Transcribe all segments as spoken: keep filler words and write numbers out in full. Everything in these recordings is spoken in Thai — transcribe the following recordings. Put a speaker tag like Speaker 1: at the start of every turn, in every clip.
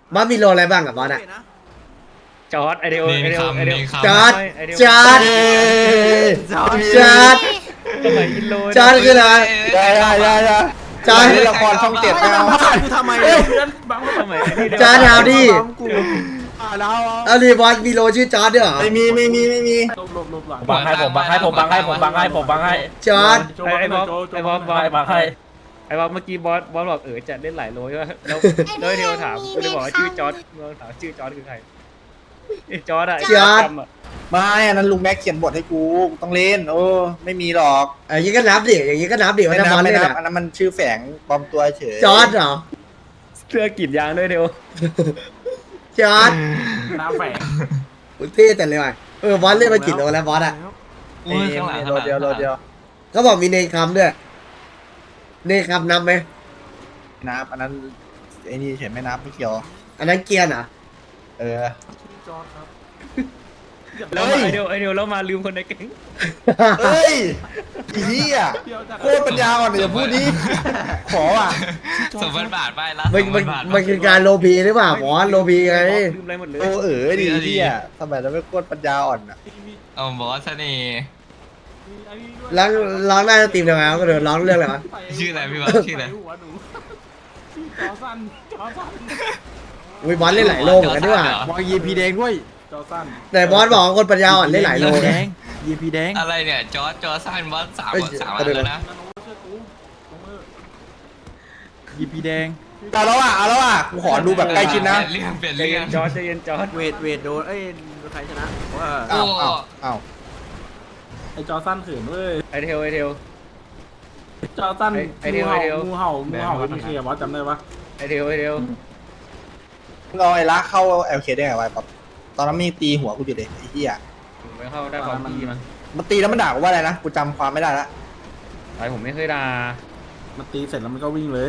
Speaker 1: บอสมีโลอะไรบ้างกับบอสอะ
Speaker 2: จอร์ดไอเดียไอเดียไอเดีย
Speaker 1: จอร์ดจอร์ดจอร์ดจอร์ด
Speaker 2: สมัยอินโล
Speaker 1: จอร์ดคืออะไร
Speaker 3: ได้ได้ได้ได้
Speaker 1: จอร์ด
Speaker 3: เล่นละครช่องเจ็ดไม่เอา
Speaker 4: กูทำไมเนี่ยเพื่อนบัง
Speaker 2: สมัยนี่
Speaker 1: จอร์ดเอาดิ
Speaker 4: อ่าแล้ว
Speaker 1: เอาดิบอสมีโลชื่อจอร์ดด้วยเหรอ
Speaker 3: ไม่มีไม่มีไม่มี
Speaker 4: ลบลบลบหลัง
Speaker 5: บังให้ผมบังให้ผมบังให้ผมบังให้ผมบังให้
Speaker 1: จอร์ด
Speaker 2: ไอ้บอสไอ้บอสบอส
Speaker 5: บังให้
Speaker 2: ไอ้บอสเมื่อกี้บอสบอสบอกเออจะเล่นหลายโลใช่ไหมแล้วแล้วเดียวถามก็เลยบอกว่าชื่อจอร์ดเราถามชื่อจอร์ดคือใครจอร์ดอะ
Speaker 3: ไม่อันนั้นลุงแม็กเขียนบทให้กูต้องเล่นโอ้ไม่มีหรอก
Speaker 1: อย่างนี้ก็นับดิอย่างนี้ก็นับดิ
Speaker 3: ไม่
Speaker 1: ว่าถ้าบ
Speaker 3: นั
Speaker 1: อบส
Speaker 3: ไม่
Speaker 1: เล่น
Speaker 3: นับ
Speaker 1: อะ
Speaker 3: อันนั้นมันชื่อแฝงปลอมตัวเฉย
Speaker 1: จอร์ดเหรอ
Speaker 2: เสื้อกีดยางด้วยเดียว
Speaker 1: จอร์ด
Speaker 4: น้ำแฝง
Speaker 1: อุ๊ยเท่แต่เลยว่ะเออบอสเล่นมากี่โลแล้วบอสอะ
Speaker 3: เอ้ยโลเดียวโลเดียว
Speaker 1: เขาบอกมีเนคำด้วยเนคำนับไหม
Speaker 3: นับอันนั้นไอ้นี่เฉยไม่นับไม่เกี่ยว
Speaker 1: อันนั้นเกียร์เหรอ
Speaker 3: เออ
Speaker 4: จอดครับ
Speaker 2: แล้วไอเดียวไอเดียวแล้วมาลืมคนในแก๊ง
Speaker 3: เฮ้ยไอ้เหี้ยโคตรปัญญาอ่อนเดี๋ยวพูดนี้ขอว่ะ
Speaker 6: สมบัติบาทไปละ
Speaker 1: มันมันมันคือการโลพีหรือเปล่าบอสโลพีไง
Speaker 2: ลืมอะไรหมดเลย
Speaker 3: โอ้เออดีเหี้ยสมัยนั้นไม่โคตรปัญญาอ่อนอ่ะ
Speaker 6: เอาบอสเน่ห์
Speaker 1: ร้องร้องได้สตรีมทำไมวะก็เดินร้องเรื่องอะไรวะ
Speaker 6: ชื่ออะไรพี่วะชื่ออะไร
Speaker 4: หัวหนูชื่อจอสั้นจอสั้น
Speaker 1: อุ้ยบอสเล่นหลายโลเหมือนกันด้วยว่ะ
Speaker 5: วางยีพีแดงด้วย
Speaker 4: จอสั้น
Speaker 1: แต่บอสบอกว่าคนปัญญาอ่อนเล่นหลายโล
Speaker 5: แด
Speaker 1: นะ
Speaker 5: งยีพีแดง
Speaker 6: อะไรเนี่ยจอร์จจอร์จสั้นบอสสาม
Speaker 1: เอ้ย
Speaker 6: สาม
Speaker 1: เอา
Speaker 6: อัน
Speaker 1: ดู
Speaker 6: แล้วนะ
Speaker 4: นาโนช่วยกูลงมือ
Speaker 5: ยีพีแดง
Speaker 3: เอาแล้วอ่ะเอาแล้วอ่ะกูขอดูแบบใกล้ชิดนะ
Speaker 6: เปลี่ยนเรื่องเปลี่ยน
Speaker 2: ใจ
Speaker 6: เรื่
Speaker 2: เย็
Speaker 6: อง
Speaker 2: นจอร์ดใจเย็นจอร์ด
Speaker 4: เวทเวทโดนเอ้ยใครชนะว่า
Speaker 3: อ้าวอ้าวอ้าว
Speaker 4: ไอจอสั้นเขินเว้ย
Speaker 2: ไอเทลไอเทล
Speaker 4: จอสั้น
Speaker 2: ไอ้เดียว
Speaker 4: งู
Speaker 2: ไอ้เดียว
Speaker 4: เห่างูเห่างูเห่าเป็นเคลียร์บอสจำได้ปะ
Speaker 2: ไอเทลไอเทล
Speaker 3: มึงเอาไอ้ละเข้าเอลเคได้ไงวะป๊อปตอนนั้นมีตีหัวกูอยู่เด็ไอ้เหี้ย
Speaker 2: ไม่เข้าได้ความดีมั้ง
Speaker 3: มันตีแล้วมันด่ากูว่าอะไรนะกูจำความไม่ได้ละ
Speaker 2: ไอผมไม่เคยด่า
Speaker 4: มันตีเสร็จแล้วมันก็วิ่งเลย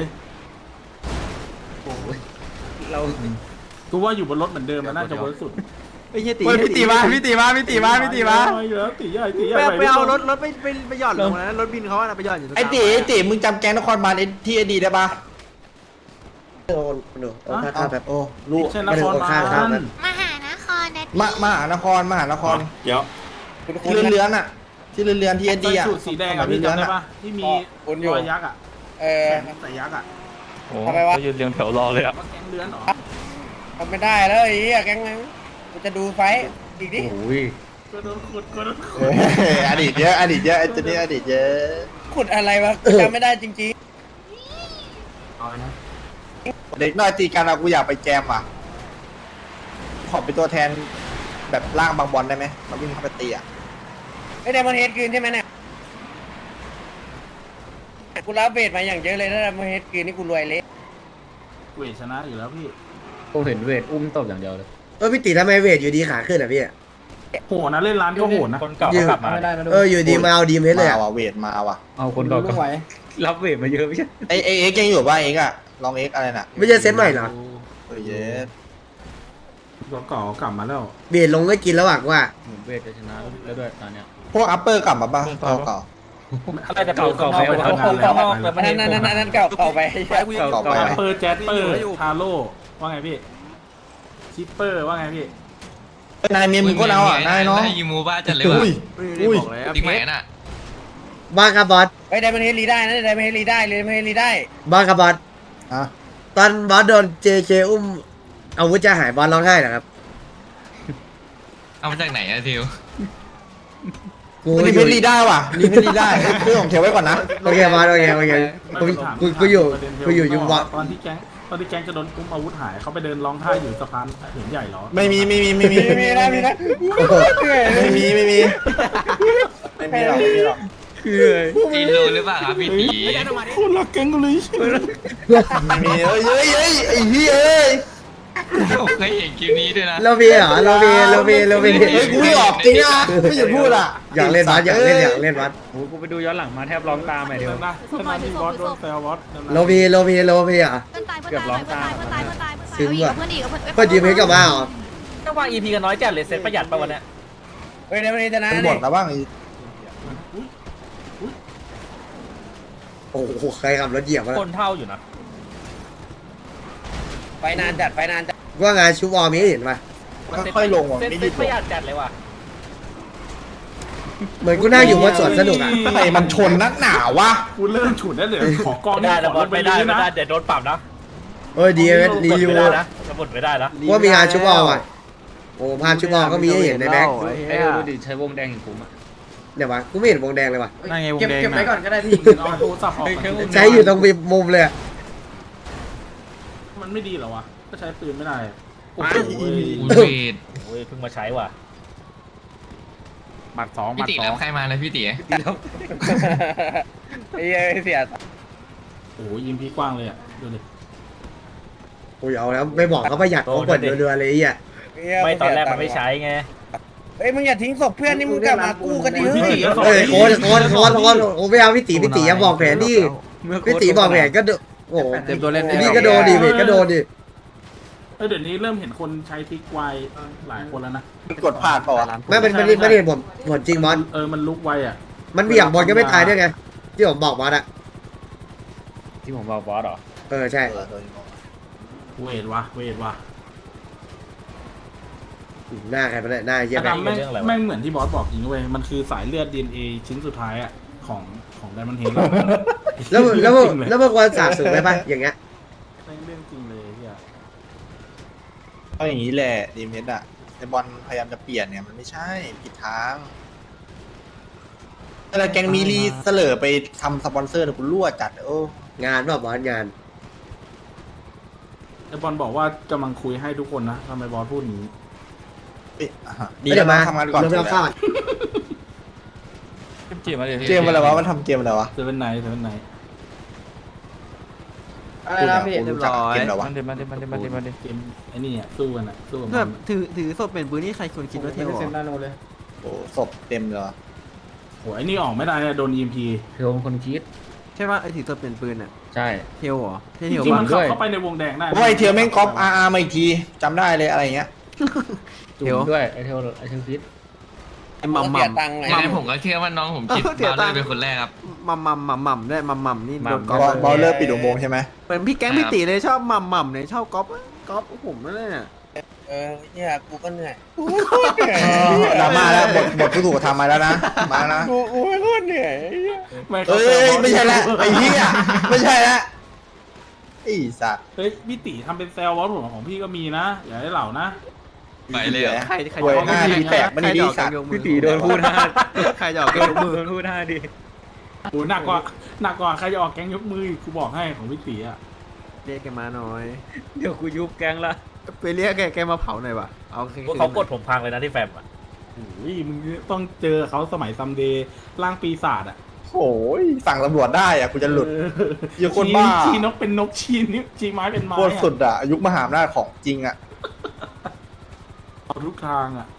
Speaker 2: เรา
Speaker 4: กูว่าอยู่บนรถเหมือนเดิมมันน่าจะเวิร์กสุด
Speaker 5: ไม่ใช่ตีพี่ตีมาพี่ตีมาพี่ตีมาพี่ตีมา
Speaker 4: อยู่แล้วตีใหญ่ตีใหญ่
Speaker 7: ไปไปเอารถรถไปไปไปหย่อนลงนะรถบินเขาอะไปหย่อนอยู่ตรง
Speaker 3: ไอ้ตีไอ้ตีมึงจำแก๊งนครบาลที่อดีได้ปะ
Speaker 1: โอ้โหโอ้ข้าแบบ
Speaker 3: โอ้ลูก
Speaker 4: เช่นนครบาล
Speaker 8: มหานครนะ
Speaker 3: มามหานครมหานคร
Speaker 4: เดี๋ยว
Speaker 3: ที่เลื้อนๆอ่ะที่เลื้อนๆที่อดีอ่ะ
Speaker 4: สูตรสีแดงอะพี่จำได้ปะที่มีรอยยักษ์อะ
Speaker 3: เออ
Speaker 4: แขนใส่ยักษ์อะ
Speaker 5: โอ้เขายืนเรียงแถวรอเลยอ่ะ
Speaker 4: ว่าแก๊งเลื้อนเหรอ
Speaker 3: ทำไม่ได้แล้วไอ้เหี้ยแก๊งนั้นกูจะดูไฟอีกดิ
Speaker 2: โอ้ย
Speaker 4: ก็โดนขุดก็โดนขุด
Speaker 3: อดีตเยอะอดีตเยอะไอ้ตัวนี้อดีตเยอะขุดอะไรวะจำไม่ได้จริงๆเด็กน้อยตีกันอะกูอยากไปแจมอ่ะขอเป็นตัวแทนแบบล่างบางบอลได้ไหมมาวิ่งเข้าไปตีอ่ะ
Speaker 9: ไม่ได้มาเฮดคืนใช่ไหมเนี่ยกูรับเบสมาอย่างเยอะเลยถ้าได้มาเฮดคืนนี่กูรวยเละ
Speaker 4: เวทชนะอยู่แล้วพี่
Speaker 2: ผมเห็นเวทอุ้มตบอย่างเดียวเลย
Speaker 1: เออพี่ตีทำไมเวทอยู่ดีขาขึ้นอ่ะพี่
Speaker 4: โหดนะเล่นร้านก็โหดนะ
Speaker 5: คนเก่าเขากลับมา
Speaker 1: เอออยู่ดีมาเอาดีมเฮดเลย
Speaker 3: มา
Speaker 1: อ่ะ
Speaker 3: ว่ะเวทมาว่ะ
Speaker 2: เอาคนก่อนก็รับเวทมาเยอะไม่ใช่
Speaker 3: ไอเอเอ็กยังอยู่ป่ะเอ็กอะลองเอ็กอะไรน่ะ
Speaker 1: ไม่ใช่เซตใหม่เหรอ
Speaker 3: เออเยส
Speaker 4: ตัวเก่ากลับมาแล้ว
Speaker 1: เบียดลงก็กินแล้วอ่ะว่า
Speaker 2: เหมือนเวทจะชนะแล้วด้วยตอนเนี้ย
Speaker 3: พวกอัปเปอร์กลับมาป่ะเก่าเก่า
Speaker 5: อะไรจะเก่าเก่าไป
Speaker 9: อันนั้นอันนั้นอันนั้นเก่าเก่าไป
Speaker 2: เก่าเก่า
Speaker 4: เปอร์แจ๊สเปอร์ทาโร่ว่าไงพี่ชิปเปอร์ว่าไงพี่
Speaker 3: นายเมียมึงก็เอาอ่ะนายเนาะ
Speaker 6: ได้ยูมูบ้าจัดเลยว่ะ
Speaker 3: อุ้ยอุ้ย
Speaker 6: ติ๊กแหมน่ะ
Speaker 1: บ้าครับบอส
Speaker 9: ไปได้มาเฮดรีได้นะได้มาเฮดรีได้เลยมาเฮดรีได้
Speaker 1: บ้าครับบอส
Speaker 3: อ่ะ
Speaker 1: ตอนบอสโดนเจเคอุ้มอาวุธจะหายบอสร้องไห้เหรอครับ
Speaker 6: เอามาจากไหนอะทิว
Speaker 1: กู
Speaker 3: มัน
Speaker 1: อ
Speaker 3: รีเพ
Speaker 1: ยู่
Speaker 3: นรีได้ว่ะรีเพนรีได้เรื่องของเทวไว้ก่อนนะ
Speaker 1: โอเคบอสโอเคโอเคกูกูกูอยู่กูอยู่ยุงวะ
Speaker 4: ตอนที่แก๊งตอนที่แก๊งจะโดนกุมอาวุธหายเขาไปเดินร้องไห้อยู่สะพานเห็นใหญ่เหรอ
Speaker 3: ไม่มีไม่มีไม่มี
Speaker 9: มีมีนะมีนะ
Speaker 3: ไม่มีไม่มีไม่มีหรอกไม่มีหรอก
Speaker 2: คือ
Speaker 6: จีนรู้หรือเปล่าครับพี่ตี
Speaker 4: คนรักแก๊งกูเลย
Speaker 3: ไม่มีเอ้ยเอ้ยเอ้ยไอ้เหี้ยเอ้ย
Speaker 6: ผมเคยเห็นคลิปนี้ด้วยนะ
Speaker 1: โลบีเหรอโลบีโลบีโลบี
Speaker 3: เฮ้ยกูไม่ออกจริงนะไม่หยุดพูดอ่ะ
Speaker 1: อยากเล่นบอสอยากเล่นอยากเล่นบอส
Speaker 2: โอ้กูไปดูย้อนหลังมาแทบร้องตามไปเดียว
Speaker 4: นะขณะที่บอสโดนแซวบอส
Speaker 1: โลบีโลบีโลบีอ่ะ
Speaker 8: เพื่อนตายเพื่อนตายเพื่อนตายเพื่อนตายเพื่อนตาย
Speaker 1: ซึ้งว่ะ
Speaker 8: เพื่อนอีกเพื่อน
Speaker 1: เพื่อนยืมให้กลับมาเหรอ
Speaker 5: ต้องวางอีพีกันน้อยจัดเลยเซ็ตประหยัดไปวันนี้
Speaker 9: เฮ้ยได้มาเฮดชนะ
Speaker 3: มึง
Speaker 9: นี่
Speaker 3: บ่นแล้วบ้าง
Speaker 1: โอ้โหใครขับรถเหยียบมา
Speaker 5: คนเท่าอยู่นะ
Speaker 9: ไปนานจัดไปนานจัด
Speaker 1: บว่างานชูวอลมีให้เห็นปะ
Speaker 3: ค่อยๆลงว่ะ
Speaker 5: เซ็ต
Speaker 3: ไม่
Speaker 5: เซ็
Speaker 3: รี
Speaker 5: ต
Speaker 3: บ
Speaker 5: ป
Speaker 3: ล
Speaker 5: ระ
Speaker 3: ง
Speaker 5: หยัดจัดเลยว่ะ
Speaker 1: เหมือนกูนั่งอยู่บนสวนสนุกอ่ะ
Speaker 3: ทำไมมันชนนักหนาวะ
Speaker 4: กูเริ่มฉุนได้เลยขอกอง
Speaker 5: ไม่ได้
Speaker 4: ข
Speaker 5: นะ
Speaker 4: อบ
Speaker 5: อ
Speaker 4: ล
Speaker 5: ส
Speaker 4: งไป
Speaker 5: ไม่ได้
Speaker 4: เลย
Speaker 5: ไม่
Speaker 4: นะ
Speaker 5: ได้เดี๋ยวโดนปรับนะ
Speaker 1: เอ้ยดีเอสดีอยู่
Speaker 5: ไม่ได้นะสมุดไม่ได้นะ
Speaker 1: ว่ามีงานชูวอลอ่ะโอ้ภาพชูวอลก็มีให้เห็นในแบ็ค
Speaker 2: ไอ้เดี๋ยวดูดิใช้วงแดงอย่างผมอ่ะ
Speaker 1: เดี๋ยววะกูไม่เห็นวงแดงเลยวะ
Speaker 5: นั่นไงวง
Speaker 7: เก็บ
Speaker 5: แดง
Speaker 7: เก็บไว้ก่อนก็ได้พี่
Speaker 4: เอาโทรศัพท์ออกก่อน
Speaker 1: ใช้อยู่ตรงมุมเลยอะ
Speaker 4: มันไม่ดีเหรอวะก็ใช้ปืนไม่ได้อะโอ้โห
Speaker 6: อูเวด
Speaker 5: โอ้ยเพิ่งมาใช้ว่ะ
Speaker 4: บัตรสอง
Speaker 6: พี่
Speaker 4: บัต
Speaker 6: ตี
Speaker 4: รสอ
Speaker 6: รั
Speaker 4: ง
Speaker 6: บใครมาเลยพี่ตี
Speaker 9: ไอ้เหี้ยเสีย
Speaker 4: โอ้โหยิงพีกว้างเลยอ่ะดูดิ
Speaker 1: โอ้ยเอาแล้วไม่บอกเขาประหยัดเขากดเรือๆเลยไอ้เหี้ย
Speaker 5: ไม่ตอนแรกมันไม่ใช้ไง
Speaker 9: เฮ้ยมึงอย่าทิ้งศพเพื่อนนี่มึงกลับมากู้กันดิ
Speaker 4: พี่
Speaker 9: เฮ้ย
Speaker 4: ตีก็สอง
Speaker 1: เอ้ยโคนโคนโคนโคนโอ้ไม่เอาพี่ตีพี่ตีอย่าบอกแผนดิพี่ตีบอกแผนก็โดโอ้โห
Speaker 7: เต็มตัวเล่น
Speaker 1: ไอ้นี่ก็โดนดิเวทก็โดนดิ
Speaker 4: เอ้ยเดี๋ยวนี้เริ่มเห็นคนใช้ทิกไวหลายคนแล้วนะ
Speaker 3: มันกดพลาดเปล่าวะ
Speaker 1: ไม่มันมันมันเห็นผมผลจริงบอล
Speaker 4: เออมันลุกไวอ่ะ
Speaker 1: มันเบี่ยงบอลก็ไม่ตายด้วยไงที่ผมบอกบอลอะ
Speaker 2: ที่ผมบอกบอสเหรอ
Speaker 1: เออใช่
Speaker 4: เวทวะเวทวะ
Speaker 1: หน้าใครไปเลยหน้าเยี่ย
Speaker 4: อ
Speaker 1: ม
Speaker 4: ดัมแม่งแม่งเหมือนที่บอสบอกจริงเว้ยมันคือสายเลือด ดี เอ็น เอ ชิ้นสุดท้ายอ่ะของของไดมอนด์เฮด
Speaker 1: แล้วแล้วแล้วมันควรสาบสูงไหมปะอย่างเงี้ย
Speaker 4: เรื่องจริงเลยเฮีย
Speaker 3: เอาอย่างนี้แหละดีเมสอะไอบอลพยายามจะเปลี่ยนเนี่ยมันไม่ใช่ผิดทางอะไรแกงมีรีเสลอไปทำสปอนเซอร์เนี่ยกูรั่วจัดโอ้
Speaker 1: งานว่าบอลงาน
Speaker 4: ไอบอลบอกว่ากำลังคุยให้ทุกคนนะทำไมบอสพูดอย่างนี้
Speaker 3: เอ้ยอ่ะฮะดีแล้ว
Speaker 1: มา
Speaker 3: มาทำงานก่อน
Speaker 1: เริ่มเข้า
Speaker 5: เจีบมาเลย
Speaker 3: เกมอะไรวะมันทำเกมอะไรวะ
Speaker 4: เซเว่นไนท์เซเว่นไนท์
Speaker 7: อะไรนะพี่
Speaker 3: กู
Speaker 7: เรียบ
Speaker 3: รู้จัก
Speaker 7: ร้อย
Speaker 3: เกมอะไรวะ
Speaker 5: มันเดี๋ยวมันเดี๋ยวมันเดี๋ยวมันเดี๋ยวมันเดี๋ยว
Speaker 4: เกมไอ้นี่อ่ะสู้กันอ่ะสู้กัน
Speaker 7: แบ
Speaker 4: มั
Speaker 7: บ
Speaker 4: น
Speaker 7: ถือถือศพเป็นปืนนี่ใครควรคิดว่าเท่หรอ
Speaker 3: โอ้ศพเต็มเลยวะ
Speaker 4: โหไอ้นี่ออกไม่ได้เนี่ยโดน อี เอ็ม พี
Speaker 2: คือผมคนคิด
Speaker 7: ใช่ป่ะไอ้ถือศพเป็นปืนอ่ะ
Speaker 2: ใช่
Speaker 7: เทลเหรอเท
Speaker 4: จ
Speaker 7: ล
Speaker 4: ริงๆ
Speaker 7: ป่ะ
Speaker 4: มันขับเข้าไปในวงแดงได้
Speaker 3: โอ้ยเทียวแม่งก๊อปอาร์อาร์มาอีกทีจำได้เลยอะไรเงี้ย
Speaker 2: จุ่มด้วยไอเทลไอเทลคิด
Speaker 7: ไอ้มัมมั
Speaker 9: เสีย
Speaker 7: ม
Speaker 9: ตังค์ไง
Speaker 6: ยังไงผมก็เชื่อว่าน้องผมคิด
Speaker 7: เออเสีย
Speaker 6: บา
Speaker 7: ตั
Speaker 6: เล
Speaker 7: งค์
Speaker 6: ยเป็นคนแรกครับ
Speaker 7: มัมมัมมัมมัมได้มัมมัมนี่โดนก๊อป
Speaker 3: บอลบอลเลอร์ปิดอุโมงค์ใช่ไหม
Speaker 7: เหมือนพี่แก๊งพี่ตีเลยชอบมัมมัมเนี่ยชอบก๊อปก๊อปผมนั่นแหละ
Speaker 9: เออเนี่ยกูก็เหนื่อย
Speaker 3: ดราม่าแล้วบทบทผู้ถูกกระทำมาแล้วนะมาแล้วนะ
Speaker 9: กูกูไม่ก็เหนื่อย
Speaker 4: ไม่
Speaker 3: เอ้ยไม่ใช่ละไอ้เหี้ยไม่ใช่ละไอ้สัตว์
Speaker 4: เฮ้ยพี่ตีทำเป็นแซลบอสผมของพี่ก็มีนะอย่าให้เหล่านะ
Speaker 6: ไปเลยเหรอ
Speaker 7: ใครใคร
Speaker 3: โวย
Speaker 7: จะ
Speaker 3: หน้าดีแตกมันดีสัตว์
Speaker 2: พี่ตีโดนพูดห้า
Speaker 7: ใครจะออกยกมือ
Speaker 2: โดนพูดห้าดิ
Speaker 4: โหหนักกว่าหนักกว่าใครจะออกแก๊งยกมืออีกกูบอกให้ของพี่ตีอ่ะ
Speaker 7: เรียกแกมาหน่อย
Speaker 2: เดี๋ยวกูยุบแกงละ
Speaker 7: ไปเรียกแกแกมาเผาหน่อยว่ะเอา
Speaker 5: พวกเขากดผมพังเลยนะที่แฟมอ่ะ
Speaker 4: โอ้ยมึงต้องเจอเขาสมัยซัมเดย์ร่างปีศาจอ่ะ
Speaker 3: โอ้ยสั่งตำรวจได้อะกูจะหลุด อย่าคนบ้า
Speaker 4: ชี้ชี้นกเป็นนกชี้นิ้วชี้ไม้เป็นไม้
Speaker 3: โคตรสุดอะยุคมหาอำนาจของจริงอะ
Speaker 4: เอาทุกทางอ่ะ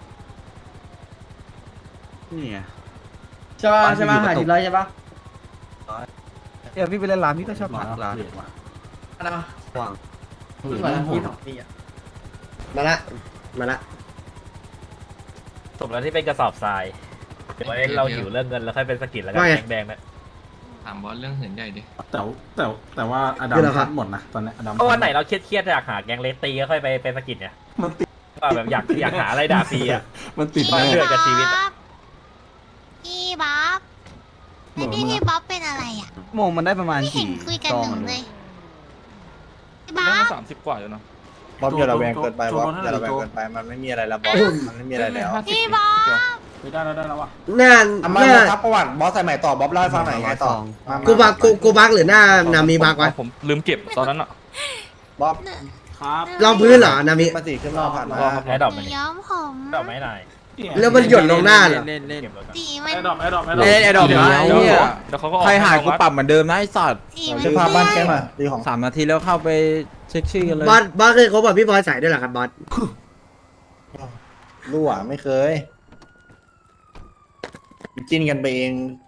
Speaker 7: นี่ไง
Speaker 9: ใช่ป่ะใช่ป่ะหาทีไรใช่ป่ะ
Speaker 7: เดี๋ยวพี่ไปเล่นร้านพี่ก็ชอบผักร้าน
Speaker 4: เปลี่ยนว่ะ
Speaker 9: อะไรมา
Speaker 7: วาง
Speaker 4: เฮ้ย
Speaker 9: วัน
Speaker 4: มันโห
Speaker 9: ที่
Speaker 4: ด
Speaker 9: สองปีอ่ะ
Speaker 1: มาละมาละ
Speaker 5: สมแล้วที่เป็นกระสอบทรายเดี๋ยวไว้เราหิวเรื่องเงินแล้วค่อยเป็นสกิลแล้วกันแดงๆนะ
Speaker 6: ถามบอสเรื่องเหินใหญ่ดิ
Speaker 4: แต่แต่แต่ว่าอดัมทัดหมดนะตอนนี้อดัม
Speaker 5: เพราะวันไหนเราเครียดๆอยากหาแกงเลสตีก็ค่อยไปเป็นสกิลเนี่ย
Speaker 4: มันติด
Speaker 5: ว่าแบบอยากอยากหาอะไรด่าฟรีอ่ะ
Speaker 4: มันติด
Speaker 5: บ้า
Speaker 4: แน่
Speaker 5: เลือดกับชีวิตอะ
Speaker 8: พี่บ๊อบไอ้พี่พี่บ๊อบเป็นอะไรอ่ะ
Speaker 7: โมงมันได้ประมาณ
Speaker 8: ไม่เห็
Speaker 7: กี่
Speaker 8: นคุยกัน
Speaker 7: ซอง
Speaker 8: หนึ่ง
Speaker 7: อะ
Speaker 8: เลยพี่บ๊อบ
Speaker 5: สามสิบกว่าอยู่เนาะ
Speaker 3: บอสอย่าระแวงเกินไปบอสอย่าระแวงเกินไปมันไม่มีอะไรแล้วบอสมันไม่มีอะไรแล้ว
Speaker 8: พี่บ๊อบ
Speaker 4: ไปได้แล้วได้แล้วว่ะ
Speaker 1: หน้า
Speaker 3: อ่ะ
Speaker 1: ห
Speaker 3: มา
Speaker 1: น้า
Speaker 3: มาครับประวัติบอสใส่ใหม่ต่อบอสเล่าให้ฟังหน่อยไงต่อมามา
Speaker 1: กูบักกูกูบักหรือหน้านามีบักวะ
Speaker 5: ผมลืมเก็บตอนนั้นอ่ะ
Speaker 3: บอส
Speaker 4: ครับ
Speaker 1: รองพื้นเหรอนามิ
Speaker 3: มาสิขึ้นมาผ่านมา
Speaker 5: แอดดอป
Speaker 8: ห
Speaker 5: มั
Speaker 8: นู
Speaker 5: น
Speaker 8: ย้อมผม
Speaker 5: ดอกไม้ไหน
Speaker 1: แล้วมันหยดลงหน้าเหรอ
Speaker 7: เล่นเล่น
Speaker 5: เก็บรถก่อน
Speaker 8: สี
Speaker 4: ไอ
Speaker 8: มัน
Speaker 4: ดอปไอดอปไอดอป
Speaker 7: เล่นไอ้ดอกไม้
Speaker 5: เดี๋ยว
Speaker 7: เหี้ย
Speaker 5: เดี๋ยวเขาก็ออก
Speaker 7: ใครหายกูปรับเหมือนเดิมนะไอ้สัตว์
Speaker 8: สีมัน
Speaker 3: ชื่อภาพบ้านแกมาดีของ
Speaker 7: สามนาทีแล้วเข้าไปเช็คชื่อกันเลย
Speaker 1: บอสบอสเคยคบกับพี่บอยใส่ด้วยเหรอครับบอส
Speaker 3: รั่วไม่เคยจิ้นกันไปเอง